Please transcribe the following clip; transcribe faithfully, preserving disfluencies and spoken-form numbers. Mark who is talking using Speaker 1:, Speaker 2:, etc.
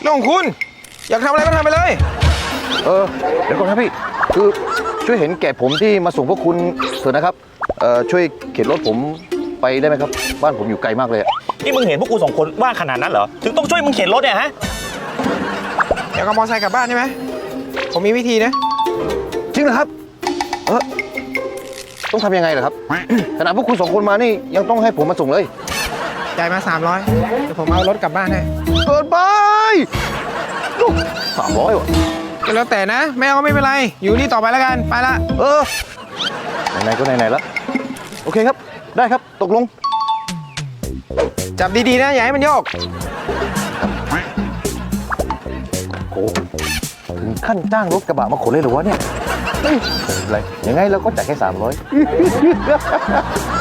Speaker 1: เรื่องของคุณอยากทำอะไรก็ทำไปเลย
Speaker 2: เออเดี๋ยวก่อนครับพี่คือช่วยเห็นแก่ผมที่มาส่งพวกคุณเถอะนะครับเอ่อช่วยเข็นรถผมไปได้ไหมครับบ้านผมอยู่ไกลมากเลย
Speaker 3: นี่มึงเห็นพวกกูสองคนว่างขนาดนั้นเหรอถึงต้องช่วยมึงเข็นรถเนี่ยฮะ
Speaker 1: อยากเอามอเตอร์ไซค์กลับบ้านใช่ไหมผมมีวิธีนะ
Speaker 2: จริงเหรอครับเออต้องทำยังไงเหรอครับ ขนาดพวกคุณสองคนมานี่ยังต้องให้ผมมาส่งเลย
Speaker 1: จ่ายมาสามร้อยเดี๋ยวผมเอารถกลับบ้านให้
Speaker 2: เกินไปสามร้อยวะ
Speaker 1: ก็แล้วแต่นะแม่ก็ไม่เป็นไรอยู่นี่ต่อไปแล้วกันไปละ
Speaker 2: เออไหนๆก็ไหนๆแล้วโอเคครับได้ครับตกลง
Speaker 1: จับดีๆนะอย่าให้มันโยก
Speaker 2: โอ้ถึงขั้นจ้างรถกระบะมาขนเลยเหรอวะเนี่ยเฮ้ยอะไรยังไงเราก็จ่ายแค่สามร้อย